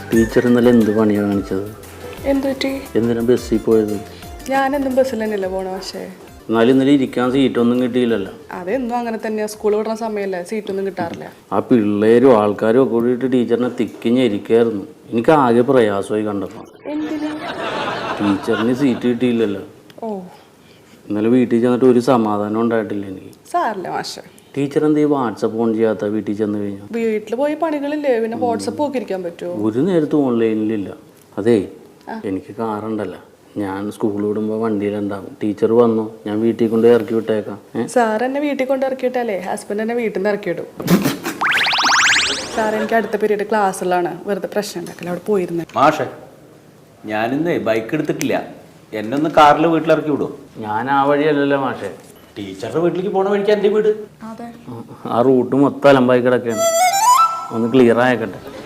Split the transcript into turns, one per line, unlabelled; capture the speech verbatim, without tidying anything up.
Teacher ഇന്നലെ എന്ത് പണിയാണ് കാണിച്ചത്?
എന്ത് പറ്റി?
എന്തിനാ ബസ്സിൽ പോയത്?
ഞാനെന്നും ബസ്സിൽ തന്നെയല്ലേ പോണ. പക്ഷേ
എന്നാലും ഇന്നലെ ഇരിക്കാൻ സീറ്റൊന്നും കിട്ടിയില്ലല്ലോ.
അതെന്നും അങ്ങനെ തന്നെയാ. സ്കൂൾ വിടുന്ന സമയമല്ലേ, സീറ്റൊന്നും കിട്ടാറില്ല.
ആ പിള്ളേരും ആൾക്കാരും ഒക്കെ കൂടിയിട്ട് ടീച്ചറിനെ തിക്കിഞ്ഞിരിക്കായിരുന്നു. എനിക്ക് ആകെ പ്രയാസമായി കണ്ടപ്പോൾ.
എന്തിനാ?
ടീച്ചറിന് സീറ്റ് കിട്ടിയില്ലല്ലോ.
ഓ,
ഇന്നലെ വീട്ടിൽ ചെന്നിട്ട് ഒരു സമാധാനം ഉണ്ടായിട്ടില്ല എനിക്ക്.
സാറില്ല മാഷെ.
ടീച്ചർ എന്ത് ചെയ്യും വാട്സപ്പ് ഓൺ ചെയ്യാത്ത വീട്ടിൽ ചെന്ന് കഴിഞ്ഞാൽ?
വീട്ടിൽ പോയി പണികളില്ലേ, പിന്നെ വാട്സപ്പ് ഒക്കെ ഇരിക്കാൻ പറ്റുമോ?
ഒരു നേരത്തും ഓൺലൈനിലില്ല. അതേ, എനിക്ക് കാറുണ്ടല്ലോ, ഞാൻ സ്കൂളിൽ വിടുമ്പോൾ വണ്ടിയിലുണ്ടാവും. ടീച്ചർ വന്നു, ഞാൻ വീട്ടിൽ കൊണ്ട് ഇറക്കി വിട്ടേക്കാം.
സാർ എന്നെ വീട്ടിൽ കൊണ്ട് ഇറക്കിയിട്ടല്ലേ ഹസ്ബൻഡ് എന്നെ വീട്ടിൽ നിന്ന് ഇറക്കിയിടും. സാർ എനിക്ക് അടുത്ത പീരീഡ് ക്ലാസ്സിലാണ്, വെറുതെ പ്രശ്നം ഉണ്ടാക്കില്ല. അവിടെ പോയിരുന്നു.
മാഷെ, ഞാനിന്ന് ബൈക്ക് എടുത്തിട്ടില്ല. എന്നെ ഒന്ന് കാറിൽ വീട്ടിലിറക്കി വിടും.
ഞാൻ ആ വഴിയല്ലല്ലോ മാഷെ.
ടീച്ചറുടെ വീട്ടിലേക്ക് പോണ വഴിക്ക് എൻ്റെ വീട്.
അതെ,
ആ റൂട്ട് മൊത്തം അലമ്പായി കിടക്കുകയാണ്. ഒന്ന് ക്ലിയർ ആയിക്കട്ടെ.